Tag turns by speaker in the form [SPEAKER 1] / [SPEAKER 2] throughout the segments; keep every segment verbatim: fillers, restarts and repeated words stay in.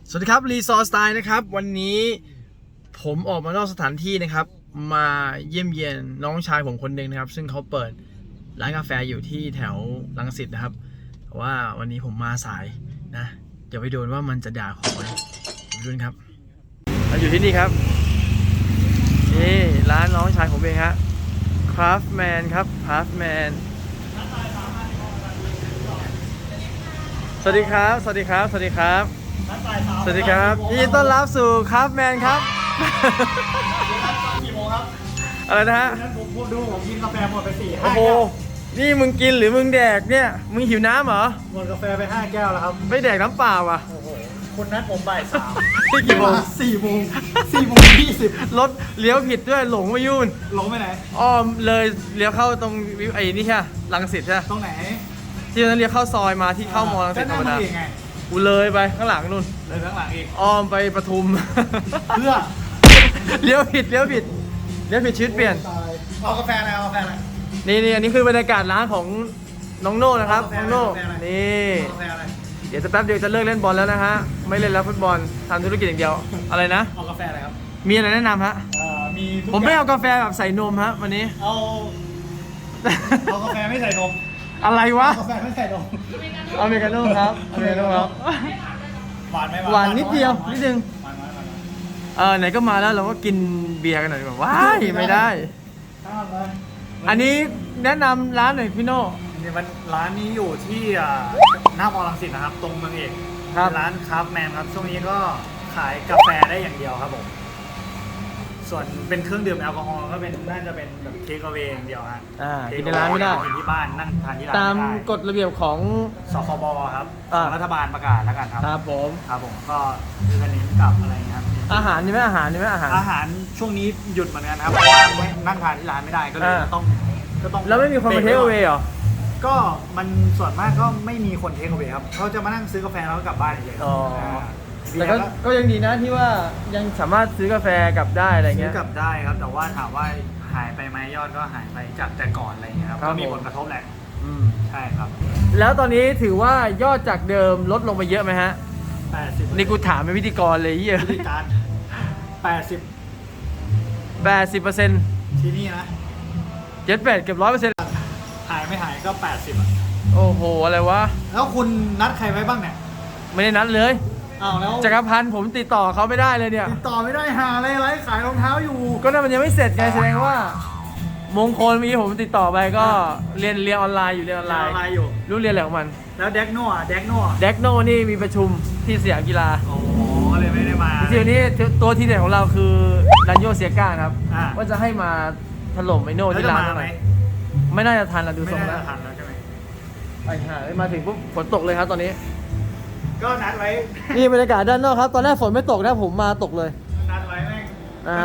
[SPEAKER 1] สวัสดีครับรีซอร์สไตล์นะครับวันนี้ผมออกมานอกสถานที่นะครับมาเยี่ยมเยียนน้องชายผมคนหนึ่งนะครับซึ่งเขาเปิดร้านกาแฟอยู่ที่แถวรังสิตนะครับแต่ว่าวันนี้ผมมาสายนะเดี๋ยวไปดูว่ามันจะด่าขอไหมไปดูครับเราอยู่ที่นี่ครับนี่ร้านน้องชายผมเองฮะ Craftman ครับ Craftman สวัสดีครับสวัสดีครับสวัสดีครับสวัสดีครับยินดีต้อนรับสู่ครับแมนครับ
[SPEAKER 2] กี่โมงครับ
[SPEAKER 1] อะไรนะฮะ
[SPEAKER 2] นั้นผมดูผมกินกาแฟหมดไปสี่ห้า
[SPEAKER 1] โอ้โหนี่มึงกินหรือมึงแดกเนี่ยมึงหิวน้ำเหรอ
[SPEAKER 2] หมดกาแฟไปห้าแก้วแล้วครับ
[SPEAKER 1] ไม่แดกน้ำเปล่าอ่ะ
[SPEAKER 2] โอ้โหคุณนัดผมบ่ายสาม
[SPEAKER 1] ที่กี่โมง
[SPEAKER 2] สี่โมงสี่โมงยี่สิบ
[SPEAKER 1] รถเลี้ยวผิดด้วยหลงมายุ่น
[SPEAKER 2] หลงไปไหน
[SPEAKER 1] อ้อมเลยเลี้ยวเข้าตรงไอ้นี่ใช่รังสิตใช่
[SPEAKER 2] ตรงไหน
[SPEAKER 1] ที่นั้นเลี้ยวเข้าซอยมาที่เข้ามอรังสิตธรรมดากูเลยไปข้างหลังนู่น
[SPEAKER 2] เลยข้างหลังอีก
[SPEAKER 1] อ้อมไปปทุม
[SPEAKER 2] เพื่อ
[SPEAKER 1] เลี้ยวผิดเลี้ยวผิดเลี้ยวผิดชีวิตเปลี่ยน
[SPEAKER 2] เอากาแฟอะไรเอากาแฟอะไร
[SPEAKER 1] นี่นี่อันนี้คือบรรยากาศร้านของน้องโน่นะครับน้องโน่นี่เดี๋ยวจะแป๊บเดียวจะเลิกเล่นบอลแล้วนะฮะไม่เล่นแล้วฟุตบอลทำธุรกิจอย่างเดียวอะไรนะ
[SPEAKER 2] เอากาแฟอะไรครับ
[SPEAKER 1] มีอะไรแนะนำฮะ
[SPEAKER 2] มี
[SPEAKER 1] ผมไม่เอากาแฟแบบใส่นมฮะวันนี้
[SPEAKER 2] เอาเอากาแฟไม่ใส่นม
[SPEAKER 1] อะไรวะ
[SPEAKER 2] กาแฟไม่ใส่นม
[SPEAKER 1] อเมริกาโน่ครับอเมริกาโน่ครับ
[SPEAKER 2] หวานไหม
[SPEAKER 1] หวานนิดเดียวนิดนึงเออไหนก็มาแล้วเราก็กินเบียร์กันหน่อยแบบว้ายไม่ได้อันนี้แนะนำร้านหน่อยพี่โน่
[SPEAKER 2] นี่มันร้านนี้อยู่ที่หน้ามอรังสิตนะครับตรงเมืองเอกร้านคราฟแมนครับช่วงนี้ก็ขายกาแฟได้อย่างเดียวครับผมส่วนเป็นเครื่องดื่มแอลกอฮอล์ก็เป็นน่าจะเป็นแบบเทคเอาเวอย่างเดียวฮะ
[SPEAKER 1] กินในร้านไม่ได้
[SPEAKER 2] กินที่บ้านนั่งทานที่ร้าน
[SPEAKER 1] ตามกฎระเบียบของ
[SPEAKER 2] สคบครับรัฐบาลประกาศแล้วกันครับ
[SPEAKER 1] ครับผม
[SPEAKER 2] ครับผมก็คือกันนี้กับอะไรครับ
[SPEAKER 1] อาหารนี่ไหมอาหารนี่ไหมอาหาร
[SPEAKER 2] อาหารช่วงนี้หยุดเหมือนกันครับเพราะว่านั่งทานที่ร้านไม่ได้ก็เลยต้องก็ต้อง
[SPEAKER 1] แล้วไม่มีคนมาเทคเอาเวหรอ
[SPEAKER 2] ก็มันส่วนมากก็ไม่มีคนเทคเอาเวครับเขาจะมานั่งซื้อกาแฟแล้วก็กลับบ้านเฉย
[SPEAKER 1] แต่ก็ก็ยังดีนะที่ว่ายังสามารถซื้อกาแฟกลับได้อะไรเงี้ย
[SPEAKER 2] ซื้อกลับได้ครับแต่ว่าถามว่าหายไปไหมยอดก็หายไปจากแต่ก่อนอะไรเงี้ยครับก็มีผลกระทบแหละใช่ครับ
[SPEAKER 1] แล้วตอนนี้ถือว่ายอดจากเดิมลดลงไปเยอะไหมฮะ
[SPEAKER 2] แปดสิบ
[SPEAKER 1] นี่กูถามเป็นพิธีกรเลยเยอะ
[SPEAKER 2] พิธีการแปดสิบ
[SPEAKER 1] แปดสิบเปอร์เซ็นต์
[SPEAKER 2] ที่นี่นะ
[SPEAKER 1] เจ็ดแปดเกือบร้อยเปอร์เซ็นต์
[SPEAKER 2] หายไม่หายก็แปดสิบอ่ะ
[SPEAKER 1] โอ้โหอะไรวะ
[SPEAKER 2] แล้วคุณนัดใครไว้บ้างเนี่ย
[SPEAKER 1] ไม่ได้นัดเลย
[SPEAKER 2] อ้าวแล้ว
[SPEAKER 1] จักรพันธ์ผมติดต่อเขาไม่ได้เลยเนี่ย
[SPEAKER 2] ติดต่อไม่ได้หาอะไรไรขายรองเท้าอยู่
[SPEAKER 1] ก็นั่นมันยังไม่เสร็จไงแสดงว่ามงคลมีผมติดต่อไปก็เรียนเรียนออนไลน์อยู่เรียนออนไลน์
[SPEAKER 2] อยู่
[SPEAKER 1] รู้เรียนอะไรของมัน
[SPEAKER 2] แล้วเด็กโน่เด็กโน่
[SPEAKER 1] เด็กโน่นี่มีประชุมที่สยามกีฬา
[SPEAKER 2] อ๋อเลยไม่ได้มา
[SPEAKER 1] จริงๆนี้ตัวที่เด่นของเราคือดันโยเซียก้าครับว่าจะให้มาถล่มไอโน่ที่ร้านหน่อยไม่น่าจะทันแล้วดูทรงแล้ว
[SPEAKER 2] ทันแล้วใช่ไหม
[SPEAKER 1] ไปหามาถึงปุ๊บฝนตกเลยครับตอนนี้
[SPEAKER 2] ก็นัดไว้
[SPEAKER 1] นี่บรรยากาศด้านนอกครับตอนแรกฝนไม่ตกนะผมมาตกเลย
[SPEAKER 2] นัดไว้แม่ง
[SPEAKER 1] อ่า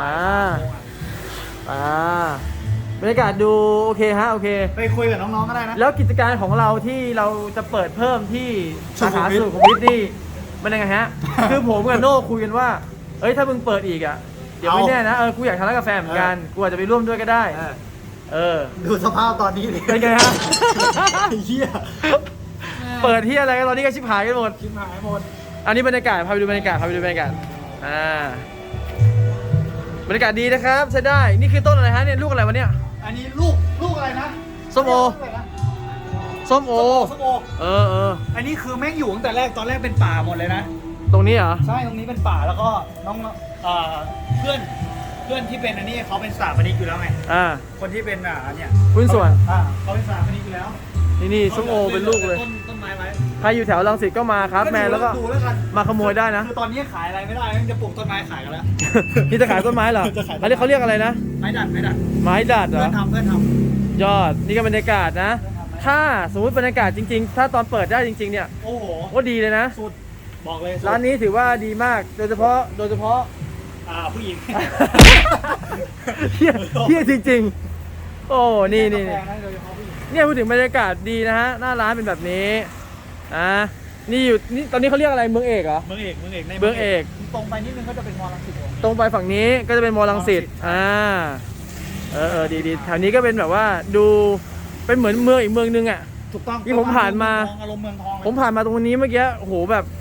[SPEAKER 1] อ่าบรรยากาศดูโอเคฮะโอเค
[SPEAKER 2] ไปคุยกับน้องๆก็ได้นะ
[SPEAKER 1] แล้วกิจการของเราที่เราจะเปิดเพิ่มที่สาขาสุขุมวิทนี่มันยังไงฮะ คือผมกับโน่คุยกันว่าเอ้ยถ้ามึงเปิดอีกอ่ะเดี๋ยวไม่แน่นะเออกูอยากทานร้านกาแฟเหมือนกันกูอาจจะไปร่วมด้วยก็ได้เออ
[SPEAKER 2] ดูสภาพตอนนี้ดิ
[SPEAKER 1] เป็นไงฮะ
[SPEAKER 2] เฮีย
[SPEAKER 1] เปิดที่อะไรกันตอนนี้ก็ชิบหายกันหมด
[SPEAKER 2] ชิบหายหมด
[SPEAKER 1] อันนี้บรรยากาศพาไปดูบรรยากาศพาไปดูบรรยากาศอ่าบรรยากาศดีนะครับใช้ได้นี่คือต้นอะไรฮะเนี่ยลูกอะไรวะเนี่ย
[SPEAKER 2] อันนี้ลูกลูกอะไรนะ
[SPEAKER 1] ส้มโอส้มโอ
[SPEAKER 2] ส้มโอ
[SPEAKER 1] เออเออ
[SPEAKER 2] อันนี้คือแม่งอยู่ตั้งแต่แรกตอนแรกเป็นป่าหมดเลยนะ
[SPEAKER 1] ตรงนี้เหรอ
[SPEAKER 2] ใช่ตรงนี้เป็นป่าแล้วก็น้องเพื่อนเพื่อนที่เป็นอันนี้เขาเป็นสถาปนิกอยู่แล้วไง
[SPEAKER 1] อ่า
[SPEAKER 2] คนที่เป็นอ่าเนี่ย
[SPEAKER 1] หุ้นส่วน
[SPEAKER 2] อ่าเขาเป็นสถาปนิกอยู่แล้ว
[SPEAKER 1] นี่นี่ส้มโอเป็นลูกเลย
[SPEAKER 2] ต้นไม้ไว้
[SPEAKER 1] ใครอยู่แถวรังสิตก็มาครับแม่แล้วก็มาขโมยได้นะ
[SPEAKER 2] คือตอนนี้ขายอะไรไม่ได้จะปลูกต้นไม้ขายกันแล้ว
[SPEAKER 1] นี่จะขายต้นไม้เหรออันนี้เขาเรียกอะไรนะ
[SPEAKER 2] ไม้ดัดไม้ดัด
[SPEAKER 1] ไม้ดัดเหรอ
[SPEAKER 2] เพื่อนทำเพื่อนท
[SPEAKER 1] ำยอดนี่ก็บรรยากาศนะถ้าสมมติบรรยากาศจริงๆถ้าตอนเปิดได้จริงๆเนี่ย
[SPEAKER 2] โอ้โห
[SPEAKER 1] ก็ดีเลยนะ
[SPEAKER 2] สุดบอกเลย
[SPEAKER 1] ร้านนี้ถือว่าดีมากโดยเฉพาะโดยเฉพาะ
[SPEAKER 2] อ่าผู้หญิง
[SPEAKER 1] เฮียเฮียจริงๆโอ้นี่นี่เนี่ยพูดถึงบรรยากาศดีนะฮะหน้าร้านเป็นแบบนี้อ่านี่อยู่นี่ตอนนี้เขาเรียกอะไรเมืองเอกเหรอ
[SPEAKER 2] เมืองเอกเมืองเอกใน
[SPEAKER 1] เมืองเอก
[SPEAKER 2] ตรงไปนิดนึงก็จะเป็นมอรังสิต
[SPEAKER 1] ตรงไปฝั่งนี้ก็จะเป็นมอรังสิตอ่าเออเออดีดีแถวนี้ก็เป็นแบบว่าดูเป็นเหมือนเมืองอีกเมืองนึงอ่ะ
[SPEAKER 2] ถูกต้อง
[SPEAKER 1] ที่ผมผ่านมา
[SPEAKER 2] อารมณ์เมืองทอง
[SPEAKER 1] ผมผ่านมาตรงนี้เมื่อกี้โอ้โหแบบ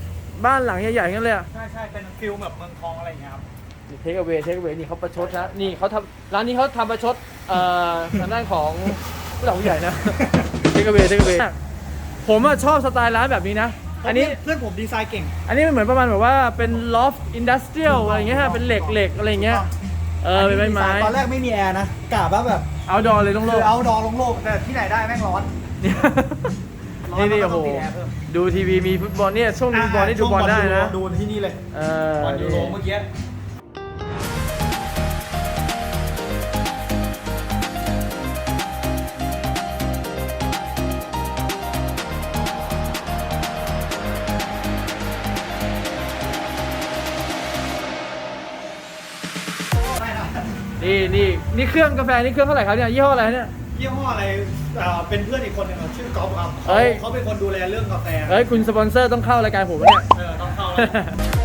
[SPEAKER 1] บ้านหลังใหญ่ๆงั้นเลยอะ
[SPEAKER 2] ใช่ใช่เป็นฟิลแบบเมืองทองอะไรอย่างเงี้ยครับ
[SPEAKER 1] เทคเวเทคเวนี่เขาประชดนะนี่เขาทำร้านนี้เขาทำประชดเอ่อทางด้านของผู้หลักผู้ใหญ่นะเทคเวเทคเวผมอะชอบสไตล์ร้านแบบนี้นะอันนี้
[SPEAKER 2] เพื่อนผมดีไซน์เก่ง
[SPEAKER 1] อันนี้มันเหมือนประมาณแบบว่าเป็นลอฟอินดัสเทรียลอะไรเงี้ยฮะเป็นเหล็กเหล็กอะไรเงี้ยเออเป็นไม้ไม้
[SPEAKER 2] ตอนแรกไม่มีแอร์นะกะว่าแบบ
[SPEAKER 1] เอาดอเลยต้องโล
[SPEAKER 2] คื
[SPEAKER 1] ก
[SPEAKER 2] อเอาดอลงโลกแต่ที่ไหนได้แม่งร้อน
[SPEAKER 1] นี่นี่
[SPEAKER 2] ร้
[SPEAKER 1] โอ้
[SPEAKER 2] น
[SPEAKER 1] โห
[SPEAKER 2] ก็ต้งติดแอร์เพิ่ม
[SPEAKER 1] ดูทีวีมีฟุตบอลเนี่ยช่วงนี้ฟุตบอลนี่ดูบอลได้นะ
[SPEAKER 2] ดูที่นี่เลย
[SPEAKER 1] เออบ
[SPEAKER 2] อลยูโรเมื่อกี้
[SPEAKER 1] นี่นี่นี่เครื่องกาแฟนี่เครื่องเท่าไหร่ครับเนี่ยยี่ห้ออะไรเนี่ย
[SPEAKER 2] ยี่ห้ออะไรเอ่อเป็นเพื่อนอีกคนหนึงครับชื่อก๊อฟครับ
[SPEAKER 1] เอ้ย
[SPEAKER 2] เขาเป็นคนดูแลเรื่องกาแฟ
[SPEAKER 1] เอ้ยคุณสปอนเซอร์ต้องเข้ารายการผมแล้วเนี่ย
[SPEAKER 2] เออต้องเข้าแล้ว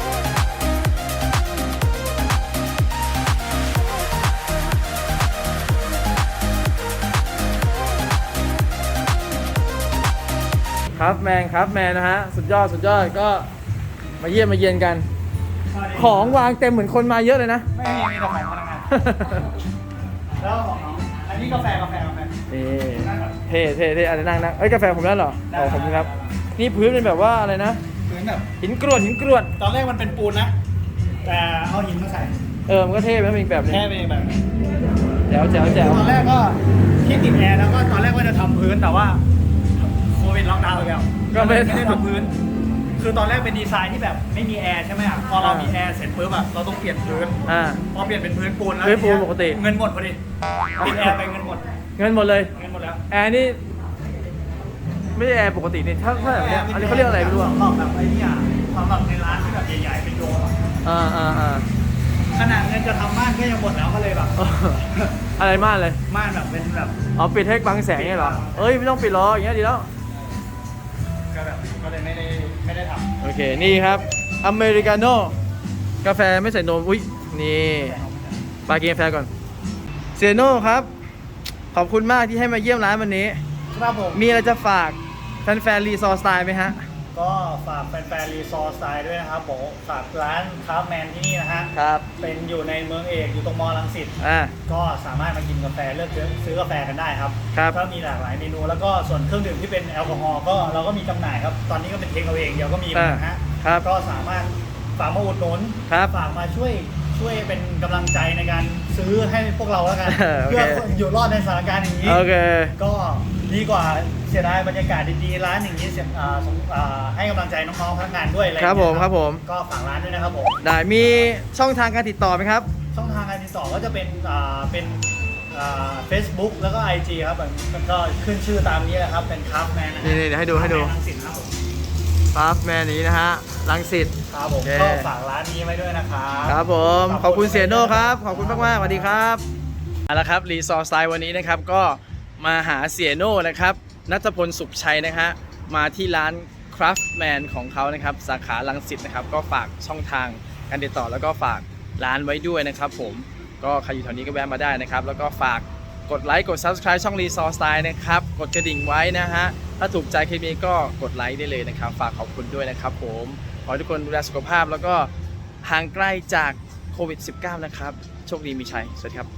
[SPEAKER 1] ครับแมนครับแมนนะฮะสุดยอดสุดยอดก็มาเยี่ยมมาเยียนกัน ของวางเต็มเหมือนคนมาเยอะเลยนะ
[SPEAKER 2] ไม่มีมีแต่ของพนักงานแล้วของน้องอันนี้กาแฟกาแฟกาแฟ
[SPEAKER 1] นี่เท่เท่เท่อะไรนั่งนั่งเอ้ยกาแฟผมได้เหรออ๋อผมครับนี่พื้นเป็นแบบว่าอะไรนะ
[SPEAKER 2] พื้นแบบ
[SPEAKER 1] หินกรวดหินกรวด
[SPEAKER 2] ตอนแรกมันเป็นปูนนะ แต่เอาหินมาใส่
[SPEAKER 1] เออมันก็เท่ไปอีกแบบหนึง
[SPEAKER 2] แค่เป็นแบบนี้
[SPEAKER 1] แจ๋วแจ๋วแจ๋ว
[SPEAKER 2] ตอนแรกก็ที่ติดแอร์แล้วก็ตอนแรกว่าจะทำพื้นแต่ว่าโควิดล็อกดาวน์ไปแล้ว
[SPEAKER 1] ก็ไม่
[SPEAKER 2] ไม่ได้ทำพื้น คือตอนแรกเป็นดีไซน์ที่แบบไม่มีแอร์ใช่ไหมอ่ะพอเรามีแอร์เสร็จปุ๊บอะเราต้องเปลี่ยนพื้น
[SPEAKER 1] อ่า
[SPEAKER 2] พอเปลี่ยนเป็นพื้นปูนแล้ว
[SPEAKER 1] พื้นปูนปกติ
[SPEAKER 2] เงินหมดพอดีติดแอร์ไปเงินหมด
[SPEAKER 1] เงินหมดเลย
[SPEAKER 2] เงินหมดแล้ว
[SPEAKER 1] แอร์นี่ไม่ใช่แอร์ปกตินี่ถ้าถ้าแบบเนี้ยอันนี้เขาเรียกอะไรไม่รู้อ่ะ
[SPEAKER 2] สำหรับแบบไอ้เนี่ยสำหรับในร้านที่แบบใหญ่ๆเป็นโดมอะ
[SPEAKER 1] อ่าอ่าอ่า
[SPEAKER 2] ขนาดเงินจะทำม่านก็ยังหมดแล้วก็เลยแบบ
[SPEAKER 1] อะไรมากเลย
[SPEAKER 2] ม่านแบบเป็นแบบ
[SPEAKER 1] เอาปิดให้บังแสงเนี่ยเหรอเอ้ยไม่ต้องปิดหรอกอย่างเงี้ยดีแล้ว
[SPEAKER 2] ก็แบบก็เลยไม่ได้ไม่ได้ท
[SPEAKER 1] โอเค นี่ครับอเมริกาโน่กาแฟไม่ใส่นม อุ้ยนี่ปากินกาแฟก่อนเซโน่ครับ ขอบคุณมากที่ให้มาเยี่ยมร้านวันนี้
[SPEAKER 2] ำครับผม
[SPEAKER 1] มีอะไรจะฝากแฟนๆรีซอร์สไตล์ไหมฮะ
[SPEAKER 2] ก็ฝากแฟนๆรีซอร์สไตล์ด้วยนะครับผมฝากร้านคราฟแมนที่นี่นะฮะ
[SPEAKER 1] ครับ
[SPEAKER 2] เป็นอยู่ในเมืองเอกอยู่ตรงมอรังสิต
[SPEAKER 1] อ่า
[SPEAKER 2] ก็สามารถมากินกาแฟเลือกซื้อกาแฟกันได้ครับ
[SPEAKER 1] ครับ
[SPEAKER 2] ก็มีหลากหลายเมนูแล้วก็ส่วนเครื่องดื่มที่เป็นแอลกอฮอล์ก็เราก็มีจำหน่ายครับ ตอนนี้ก็เป็นเทคเอาเองเดียวก็มีเหมือนกันฮะ
[SPEAKER 1] ครับ
[SPEAKER 2] ก็สามารถฝากมาอุดหนุน
[SPEAKER 1] ครับ
[SPEAKER 2] ฝากมาช่วยช่วยเป็นกำลังใจในการซื้อให้พวกเราแล้วกัน
[SPEAKER 1] เออโอเค
[SPEAKER 2] เพื่ออยู่รอดในสถานการณ์อย่างนี้
[SPEAKER 1] โอเค
[SPEAKER 2] ก็ดีกว่าเสียดายบรรยากาศดีๆร้านอย่างนี้เสียอ่าสงอ่าให้กำลังใจน้องๆพนักงานด้วยอะไร
[SPEAKER 1] ครับผม
[SPEAKER 2] อย่าง
[SPEAKER 1] ค
[SPEAKER 2] เงี้ย
[SPEAKER 1] รับผม
[SPEAKER 2] ก็ฝากร้านด้วยนะครับผม
[SPEAKER 1] ได้มีช่องทางการติดต่อไหมครับ
[SPEAKER 2] ช่องทางการติดต่อก็จะเป็นอ่าเป็นอ่า Facebook แล้วก็ ไอ จี ครับมันมันก็ขึ้นชื่อตามนี้แหละครับเป็นคราฟแมนนะฮะ
[SPEAKER 1] นี่ๆเดี๋ยวให้ดูให้ดู
[SPEAKER 2] รังสิตครับผม
[SPEAKER 1] ฟาฟแมนนี้นะฮะรังสิต
[SPEAKER 2] ครับผม
[SPEAKER 1] โอเค
[SPEAKER 2] ก็ฝากร้านนี้ไว้ด้วยนะครับ
[SPEAKER 1] ครับผม ขอบคุณเสียโน่ครับ ขอบคุณมากมากๆสวัสดีครับเอาละครับรีซอร์สไตล์วันนี้นะครับก็มาหาเสียโน่นะครับนัทพลสุขชัยนะฮะมาที่ร้าน Craftman ของเขานะครับสาขาลังสิตนะครับก็ฝากช่องทางการติดต่อแล้วก็ฝากร้านไว้ด้วยนะครับผมก็ใครอยู่แถวนี้ก็แวะมาได้นะครับแล้วก็ฝากกดไลค์กด Subscribe ช่อง Resource Style นะครับกดกระดิ่งไว้นะฮะถ้าถูกใจคลิปนี้ก็กดไลค์ได้เลยนะครับฝากขอบคุณด้วยนะครับผมขอให้ทุกคนดูแลสุขภาพแล้วก็ห่างไกลจากโควิด สิบเก้า นะครับโชคดีมีชัยสวัสดีครับ